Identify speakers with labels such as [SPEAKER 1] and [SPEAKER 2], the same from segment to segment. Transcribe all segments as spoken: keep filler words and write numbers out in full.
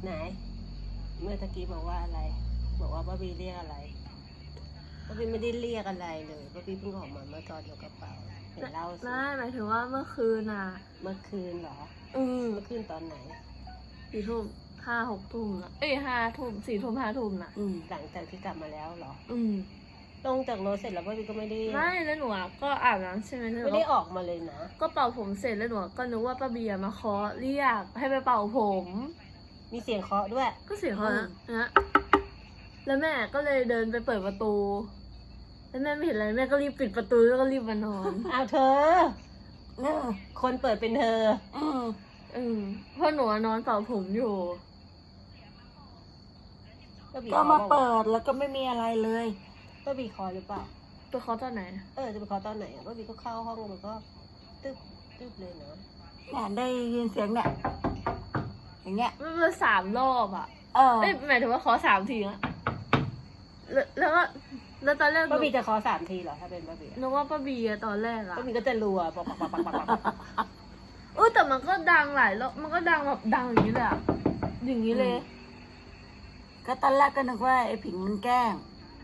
[SPEAKER 1] ไหนเมื่อตะกี้บอกว่าอะไรบอกว่าป้าบีเรียกอะไรป้าบีไม่ได้เรียกอะไรเลยป้าบีเพิ่งออกมาเมื่อตอนอยู่กระเป๋าเห็นเล่าสิ
[SPEAKER 2] ไม่หมายถึงว่าเมื่อคืนอ่ะ
[SPEAKER 1] เมื่อคืนเหรอ
[SPEAKER 2] อืม
[SPEAKER 1] เมื่อคืนตอนไหน
[SPEAKER 2] สี่ทุ่มห้าหกทุ่มนะเอ้ยห้าทุ่มสี่ทุ่มห้าทุ่มน่ะ
[SPEAKER 1] อืมหลังจากที่กลับมาแล้วเหรอ
[SPEAKER 2] อืม
[SPEAKER 1] ลงจากรถเสร็จแล้วป้าบีก็ไม่ได้
[SPEAKER 2] ไม่แล้วหนูอะก็อาบน้ำใช่ไหมแล้วหนู
[SPEAKER 1] ไม่ได้ออกมาเลยนะ
[SPEAKER 2] ก็เป่าผมเสร็จแล้วหนูก็นึกว่าป้าเบียร์มาเคาะเรียกให้ไปเป่าผม
[SPEAKER 1] มีเสียงเคาะด้วย
[SPEAKER 2] ก็เสียงเขา
[SPEAKER 1] อื
[SPEAKER 2] นะ
[SPEAKER 1] ม
[SPEAKER 2] นะแล้วแม่ก็เลยเดินไปเปิดประตู แล้วแม่ไม่เห็นอะไรแม่ก็รีบปิดประตูแล้วก็รีบมานอน
[SPEAKER 1] อ้าวเธอเนอะคนเปิดเป็นเธอ
[SPEAKER 2] อืมอืมเพราะหนูอะนอนเป่าผมอยู่
[SPEAKER 1] ป้าบี
[SPEAKER 3] ก็
[SPEAKER 1] เคาะ
[SPEAKER 3] มา
[SPEAKER 1] เปล่า
[SPEAKER 3] เปิดแล้วก็ไม่มีอะไรเลย
[SPEAKER 1] ป้าบีเคาะหรือเปล่า
[SPEAKER 2] ไปเคาะตอนไหน
[SPEAKER 1] เออจะไปเคาะตอนไหนอ่ะป้าบีก็เข้าห้องแล้วก็ตึ๊บตึ๊บเลยนะ
[SPEAKER 3] เนี่ยได้ยินเสียงเนี่ยอย่างเงี้ย
[SPEAKER 2] มันเป็นสามรอบอ่ะ
[SPEAKER 3] เออ
[SPEAKER 2] เอ้ยหมายถึงว่าเคาะสามทีอะแล้วแล้วก็แล้วตอนแรกหนู
[SPEAKER 1] ป้าบีจะเคาะสามทีเหรอถ้าเป็นป้าบี
[SPEAKER 2] นึกว่าป้าเบียร์ตอนแรกอะ
[SPEAKER 1] ป้าบีก็จะรัวปักปักปักปักปักปัก
[SPEAKER 2] เออแต่มันก็ดังหลายรอบมันก็ดังแบบดังอย่างนี้เลยอะอย่างนี้เลย
[SPEAKER 3] ก็ตอนแรกก็นึกว่าไอ้ผิงมันแกล้ง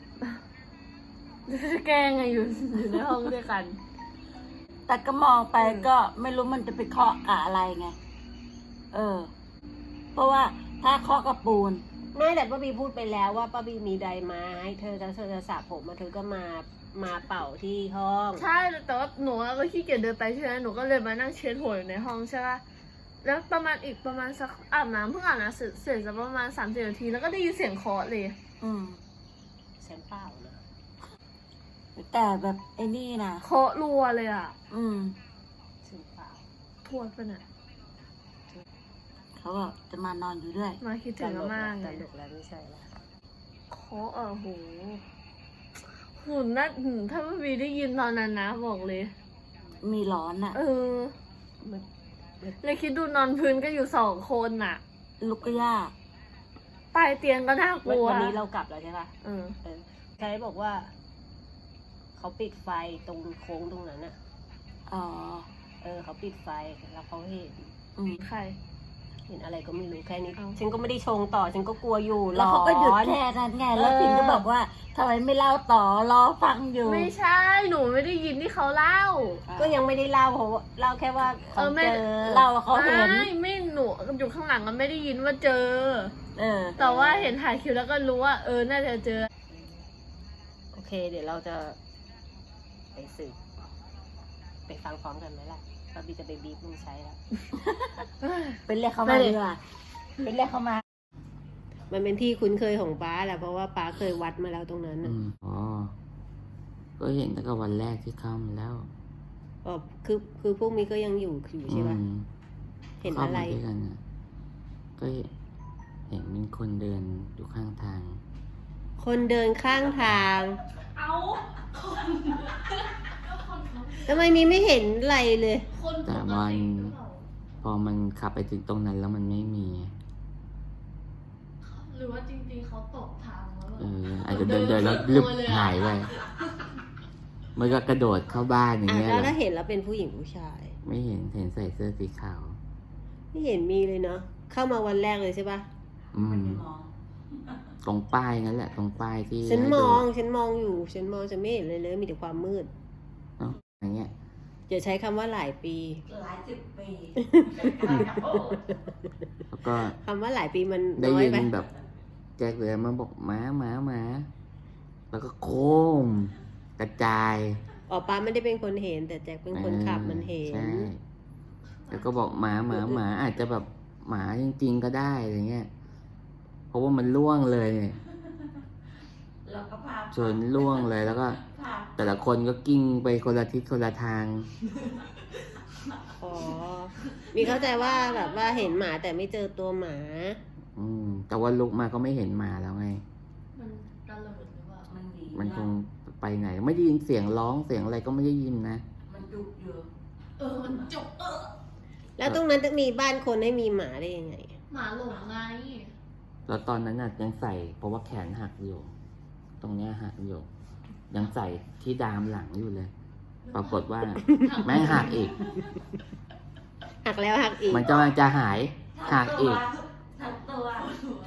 [SPEAKER 2] จะแกล้งไงอยู่อยู่ในห้องด้วยกัน
[SPEAKER 3] แต่ก็มองไป
[SPEAKER 2] อืม
[SPEAKER 3] ก็ไม่รู้มันจะไปเคาะกับอะไรไง เออ เพราะว่าถ้าเคาะกับปูน
[SPEAKER 1] ไม่แต่ป้าบีพูดไปแล้วว่าป้าบีมีไดร์ไม้เธอจะเธอจะสระผมมาเธอก็มามาเป่าที่ห้อง
[SPEAKER 2] ใช่แต่ว่าหนูก็ขี้เกียจเดินไปใช่ไหมหนูก็เลยมานั่งเช็ดหัวอยู่ในห้องใช่ป่ะแล้วประมาณอีกประมาณสักอาบน้ำเพิ่งอาบน้ำเสร็จเสร็จสักประมาณสามสิบนาทีแล้วก็ได้ยินเสียงเคาะเลย
[SPEAKER 3] อืม
[SPEAKER 1] ฉันเปล่านะ
[SPEAKER 3] แต่แบบไอ้นี่นะ
[SPEAKER 2] เคาะรัวเลยอ่ะ
[SPEAKER 3] อืม
[SPEAKER 1] ฉันเปล่า
[SPEAKER 2] ทวดปะเนี่ย
[SPEAKER 3] เขาบอกจะมานอนอยู่ด้วย
[SPEAKER 2] มาคิดถึงอาม่า
[SPEAKER 1] ต
[SPEAKER 2] ไง
[SPEAKER 1] ลกแล้วไม่ใช่แล้ว
[SPEAKER 2] เคาะอ่ะโหหุ่นน่าหืมถ้าไม่มีได้ยินตอนนั้นนะบอกเลย
[SPEAKER 3] มีร้อนอ่ะ
[SPEAKER 2] เออ
[SPEAKER 1] มัน
[SPEAKER 2] เลยคิดดูนอนพื้นก็อยู่สองคนน่ะ
[SPEAKER 3] ลุกก็ยาก
[SPEAKER 2] ใต้เตียงก็น่ากลัว
[SPEAKER 1] วันนี้เรากลับแล้วใช่ปะ
[SPEAKER 2] เออ
[SPEAKER 1] เออใครบอกว่าเขาปิดไฟตรงโค้งตรงนั้นอะ
[SPEAKER 3] อ๋อ
[SPEAKER 1] เออเขาปิดไฟแล้วเขาเห็น
[SPEAKER 3] อืม
[SPEAKER 2] ใคร
[SPEAKER 1] เห็นอะไรก็ไม่รู้แค่นี้
[SPEAKER 2] เอ้า
[SPEAKER 1] ฉันก็ไม่ได้ชงต่อฉันก็กลัวอยู่
[SPEAKER 3] แล้วเขาก็หยุด
[SPEAKER 1] ร้อน
[SPEAKER 3] แค่นั้นไง แล้ว
[SPEAKER 1] เออ
[SPEAKER 3] พิงก็บอกว่าทำไมไม่เล่าต่อรอฟังอยู่
[SPEAKER 2] ไม่ใช่ หนูไม่ได้ยินที่เขาเล่า
[SPEAKER 1] ก็ยังไม่ได้เล่าเพราะว่าเล่าแค่ว่าเขา
[SPEAKER 2] เออไม่
[SPEAKER 1] เจอ
[SPEAKER 3] เราเขาเห็น
[SPEAKER 2] ไม่ไม่หนูอยู่ข้างหลังก็ไม่ได้ยินว่าเจอ
[SPEAKER 3] เออ
[SPEAKER 2] แต่ว่าเห็นถ่ายคลิปแล้วก็รู้ว่าเออน่าจะเจอ
[SPEAKER 1] โอเค เดี๋ยวเราจะไปสืบไปฟังพร้อมกันไหมล่ะป้าบีจะไปบีบมึงใช้แล้ว
[SPEAKER 3] เป็นเรียกเขา
[SPEAKER 1] ไม่
[SPEAKER 3] มา
[SPEAKER 1] เลย
[SPEAKER 3] ดีกว่าเป็นเรียกเขามา
[SPEAKER 1] มันเป็นที่คุ้นเคยของป้าแหละเพราะว่าป้าเคยวัดมาแล้วตรงนั้น
[SPEAKER 4] อื
[SPEAKER 1] น่ะ
[SPEAKER 4] มอ๋อ ก็เห็นตั้งแต่วันแรกที่เข้ามาแล้ว
[SPEAKER 1] อ๋อคือคือพวกนี้ก็ยังอยู่อยู่ใช่ปะ
[SPEAKER 4] อืม
[SPEAKER 1] เห็น
[SPEAKER 4] เข้า
[SPEAKER 1] อะไร
[SPEAKER 4] มาด้วยกันน่ะก็เห็นมีคนเดินอยู่ข้างทาง
[SPEAKER 1] คนเดินข้างทางทำไมมีไม่เห็นอะไรเลย
[SPEAKER 4] แต่มันพอมันขับไปถึงตรงนั้นแล้วมันไม่มี
[SPEAKER 2] หรือว่าจริงๆเขาตกทางแล้ว
[SPEAKER 4] เออ อาจจะเดินเดินแล้วลึบหายไปมันก็กระโดดเข้าบ้านอย่าง
[SPEAKER 1] อ่ะ
[SPEAKER 4] เงี้ย
[SPEAKER 1] แล้ว
[SPEAKER 4] เหรอ
[SPEAKER 1] ถ้าเห็นแล้วเป็นผู้หญิงผู้ชาย
[SPEAKER 4] ไม่เห็นเห็นใส่เสื้อสีขาว
[SPEAKER 1] ไม่เห็นมีเลยเนาะเข้ามาวันแรกเลยใช่ปะ
[SPEAKER 4] อืม ตรงป้ายนั่นแหละ ตรงป้ายที่
[SPEAKER 1] ฉัน
[SPEAKER 4] ให้
[SPEAKER 1] ม
[SPEAKER 4] ดู
[SPEAKER 1] องฉันมองอยู่ ฉันมองฉันไม่เห็นเลยเลยมีแต่ความมืด
[SPEAKER 4] เอ้าอย่างเงี้ย
[SPEAKER 1] อย่าใช้คำว่าหลายปี
[SPEAKER 3] หลายสิบปี
[SPEAKER 4] แล้วก็
[SPEAKER 1] คำว่าหลายปีมัน
[SPEAKER 4] ได้
[SPEAKER 1] น้อย
[SPEAKER 4] ยิน
[SPEAKER 1] ไป
[SPEAKER 4] แบบแจ็คเลยมันบอกหมาหมาหมาแล้วก็โค้มกระจาย
[SPEAKER 1] อ๋อป้าไม่ได้เป็นคนเห็น แต่แจ็คเป็นคนขับ
[SPEAKER 4] ออ
[SPEAKER 1] มันเห็น
[SPEAKER 4] ใช่แล้วก็บอกหมาหมาหมาอาจจะแบบหมาจริงๆก็ได้อะไรเงี้ยเพราะว่ามันล่วงเลยเนี่ย
[SPEAKER 3] แล้วก็พา
[SPEAKER 4] ชนล่วงเลยแล้วก็
[SPEAKER 3] พา
[SPEAKER 4] แต่ละคนก็กิ้งไปคนละทิศคนละทาง
[SPEAKER 1] อ๋อ มีเข้าใจว่าแบบว่าเห็นหมาแต่ไม่เจอตัวหมา
[SPEAKER 4] อืมแต่ว่าลุกมาก็ไม่เห็นหมาแล้วไง
[SPEAKER 2] มันตะเลิดหรือเปล่า
[SPEAKER 3] มันดี
[SPEAKER 4] มันคงไปไหน ไม่ได้ยินเสียงร้องเสียงอะไรก็ไม่ได้ยินนะ
[SPEAKER 3] มันดุอยู่
[SPEAKER 2] เออมันจุกเออ
[SPEAKER 1] แล้วตรงนั้นจะมีบ้านคนให้มีหมาได้ยังไง
[SPEAKER 2] หมาหลงไง
[SPEAKER 4] แล้วตอนนั้นน่ะยังใส่เพราะว่าแขนหักอยู่ ตรงเนี้ยหักอยู่ ยังใส่ที่ดามหลังอยู่เลย ปรากฏว่าแม่งหักอีก
[SPEAKER 1] หักแล้วหักอีก
[SPEAKER 4] มันกำลังจะหายหักอีก
[SPEAKER 3] ทั้งตัว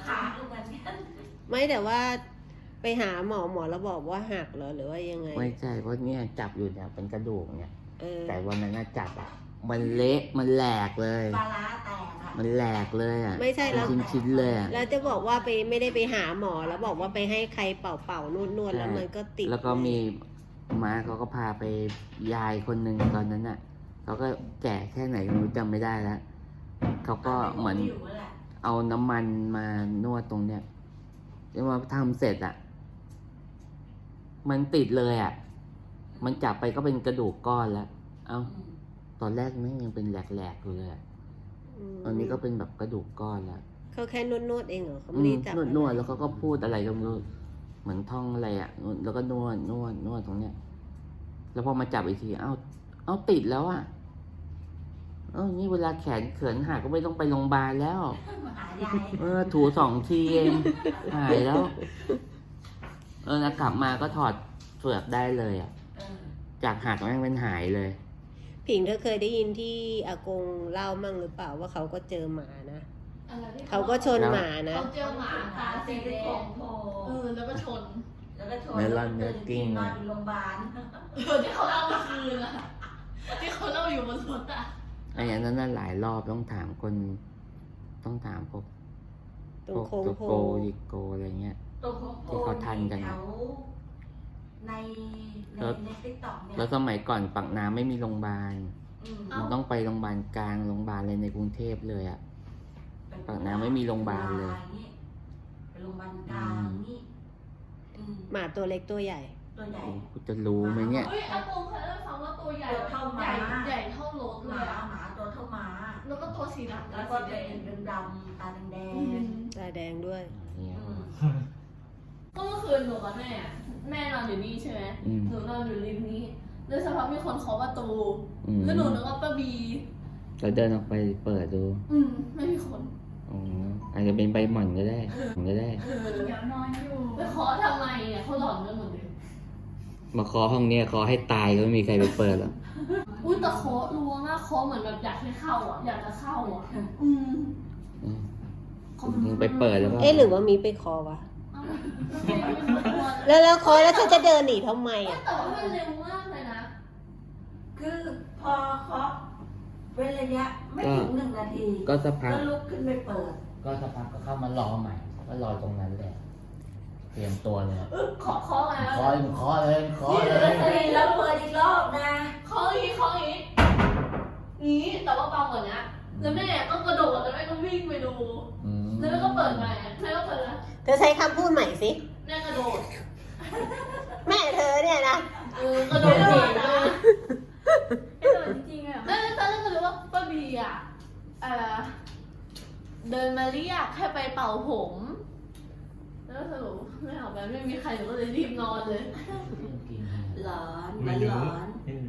[SPEAKER 3] ขาดเหมือนกัน
[SPEAKER 1] ไม่แต่ว่าไปหาหมอหมอแล้วบอกว่าหักเหรอหรือว่ายังไง
[SPEAKER 4] ไม่ใช่เพราะเนี่ยจับอยู่เนี่ยเป็นกระดูกเนี่ย
[SPEAKER 1] เออ
[SPEAKER 4] แต่วันนั้นน่ะจับอ่ะมันเละมันแหลกเลย
[SPEAKER 3] ปลาร้าแตกอ่ะ
[SPEAKER 4] มันแหลกเลยอ่ะ
[SPEAKER 1] ไม่ใช่แล้ว
[SPEAKER 4] ชิ้นชิ้นๆเลยอ่ะ
[SPEAKER 1] แล้วจะบอกว่าไปไม่ได้ไปหาหมอแล้วบอกว่าไปให้ใครเป่าเป่านวดนวดๆแล้วมันก็ติด
[SPEAKER 4] แล้วก็มีม้าเขาก็พาไปยายคนหนึ่งตอนนั้นอ่ะเขาก็แก่แค่ไหนก็ไม่รู้จำไม่ได้แล้วเขาก็เหมือน
[SPEAKER 3] ยู่แหละ
[SPEAKER 4] เอาน้ำมันมานวดตรงเนี้ยแล้วมาทำเสร็จอ่ะ มันติดเลยอ่ะ มันจับไปก็เป็นกระดูกก้อนแล้ว เอ้า
[SPEAKER 3] อืม
[SPEAKER 4] ตอนแรกแม่งยังเป็นแหลกๆอยู่เลยอะ
[SPEAKER 1] ม
[SPEAKER 4] ตอนนี้ก็เป็นแบบกระดูกก้อนแล้ว
[SPEAKER 1] เขาแค่นวดนวดๆเองเหรอเขา
[SPEAKER 4] อื
[SPEAKER 1] ไม่ได้
[SPEAKER 4] ม
[SPEAKER 1] จับ
[SPEAKER 4] นวดนวดๆแล้วเขาก็พูดอะไรก็ไม่รู้เหมือนท่องอะไรอ่ะนวดแล้วก็นวดนวดนวดตรงเนี้ย แล้วพอมาจับอีกที เอ้า เอ้าติดแล้วอ่ะ เอ้านี่เวลาแขนเขินหักก็ไม่ต้องไปโรงพยาบาลแล้ว
[SPEAKER 3] หายาย
[SPEAKER 4] เออ ถูสองทีเองหายแล้ว เออแล้วกลับมาก็ถอดเฟือกได้เลยอ่ะ
[SPEAKER 3] เออ
[SPEAKER 4] จากหักแม่งเป็นหายเลย
[SPEAKER 1] ผิงเธอเคยได้ยินที่อากงเล่ามั่งหรือเปล่าว่าเขาก็เจอหมานะ
[SPEAKER 2] อะไรที่
[SPEAKER 1] เขาก็ชนหมานะ
[SPEAKER 2] เขาเจอหมาตาสีแดง
[SPEAKER 3] โผล่
[SPEAKER 2] เออแล้วก็ชน
[SPEAKER 3] แล้วก็ชน
[SPEAKER 4] เมลอนเนื้อกิ้ง
[SPEAKER 3] นอนอยู่โรงพยาบาล
[SPEAKER 2] เออที่เขาเล่าเมื่อคืนอะที่เขาเล่าอยู่บนรถอะ
[SPEAKER 4] ไอ้อันนั้นน่ะหลายรอบต้องถามคน ต้องถามพวก
[SPEAKER 1] ตร
[SPEAKER 4] พ
[SPEAKER 1] ง
[SPEAKER 4] วก
[SPEAKER 1] โค้ง
[SPEAKER 4] ตัว
[SPEAKER 1] โพ
[SPEAKER 4] โกยิกโกอะไรเงี้ย
[SPEAKER 3] ตรงโค้ง
[SPEAKER 4] ที่เขาทันกัน
[SPEAKER 3] แถวในใน
[SPEAKER 4] แล้ว
[SPEAKER 3] ในติ๊กต็อกเนี่ย
[SPEAKER 4] แล้วสมัยก่อนปากน้ำไม่มีโรงพยาบาล
[SPEAKER 3] อืม
[SPEAKER 4] มันต้องไปโรงพยาบาลกลางโรงพยาบาลเลยในกรุงเทพเลยอ่ะ ปากน้ำไม่มีโรงพยาบาลเลย
[SPEAKER 3] ไปโรงพยาบาลกลางนี่อืม
[SPEAKER 1] หมาตัวเล็กตัวใหญ่
[SPEAKER 3] ตัวใหญ่
[SPEAKER 4] โอ้กูจะรู้ไหมเนี่ย
[SPEAKER 2] เฮ้ยอากงเคยเล่าให้ฟังว่าตัวใหญ่
[SPEAKER 3] ตัวเท่าห
[SPEAKER 2] ให
[SPEAKER 3] มา
[SPEAKER 2] ญ่ใหญ่เท่ารถ
[SPEAKER 3] ห
[SPEAKER 2] เล
[SPEAKER 3] มาย
[SPEAKER 2] อะ
[SPEAKER 3] หมาตัวเท่าหมา
[SPEAKER 2] แล้วก็ตัวสีดำ
[SPEAKER 3] แล้วก็จะเห็นดำๆตาแดง
[SPEAKER 2] อืม
[SPEAKER 1] ตาแดงด้วย
[SPEAKER 3] ๆอืม
[SPEAKER 2] ก็เมื่อคืนหนูกับแม่อะแม่นอนอยู่นี่ใช่ไหม
[SPEAKER 4] อืม
[SPEAKER 2] หนูนอนอยู่ริมนี้แล้วสักพักมีคนเคาะประตู
[SPEAKER 4] อืม
[SPEAKER 2] แล้วหนูนึกว่าป้าบี
[SPEAKER 4] เราเดินออกไปเปิดดู
[SPEAKER 2] อืมไม่มีคน
[SPEAKER 4] อ๋ออาจจะเป็นใบหม่อนก็ได้ก็ได้
[SPEAKER 2] เออเดี๋ยวนอนอยู่ไปเคาะทำไมอ่ะเขาหลอนกันหมดเลย
[SPEAKER 4] มาเคาะห้องเนี้ยเคาะให้ตายก็ไม่มีใครไปเปิดหรอก
[SPEAKER 2] อุ้ยแต่เคาะรัวมากเคาะเหมือนแบบอยากให้เข้าอ่ะอยากจะเข้าอ่ะอืม
[SPEAKER 4] อืมมึงไปเปิดแล้วก็
[SPEAKER 1] เอ๊ะหรือว่ามีไปคอวะ
[SPEAKER 2] เอ้าไม่ไม่ไม่กลัว
[SPEAKER 1] แล้วแล้วคอแล้วเธอจะเดินหนีทำไมอ่ะ
[SPEAKER 2] แต่ว่ามันเร็วมากเลยนะ
[SPEAKER 3] คือพอเคาะเว้นระยะไม่ถึงหนึ่งนาที
[SPEAKER 4] ก็สักพัก
[SPEAKER 3] ก็ลุกขึ้นไปเปิด
[SPEAKER 4] ก็สักพักก็เข้ามารอใหม่ ก็รอตรงนั้นเลยเตรียมตัวเลย
[SPEAKER 2] เคาะเคาะอะไร
[SPEAKER 4] เคาะเลยเคาะเลยเคาะเลย
[SPEAKER 3] แล้วเปิดอีกรอบนะ
[SPEAKER 2] เคาะอย่างงี้เคาะอย่างงี้งี้แต่ว่าเบากว่านี้แล้วแม่ต้องกระโดดแล้วแม่ก็วิ่งไปดู
[SPEAKER 4] อืม
[SPEAKER 2] แล้วแม่ก็เปิดใหม่แม่ก็เปิดแล้ว
[SPEAKER 1] เธอใช้คำพูดใหม่สิ
[SPEAKER 2] แม่กระโดด
[SPEAKER 1] แม่เธอเนี่ยนะ
[SPEAKER 2] เออกระโดดเก่งเลย
[SPEAKER 5] กระโดดจริงๆอ่ะ
[SPEAKER 2] แล้วตอนแรกก็รู้ว่าป้าบีอ่ะเอ่อเดินมาเรียกให้ไปเป่าผม แล้วสรุปไม่เอาไปไม่มีใครหนูก็เลยรีบนอนเลย
[SPEAKER 3] หลอนมันหลอน
[SPEAKER 6] เห็น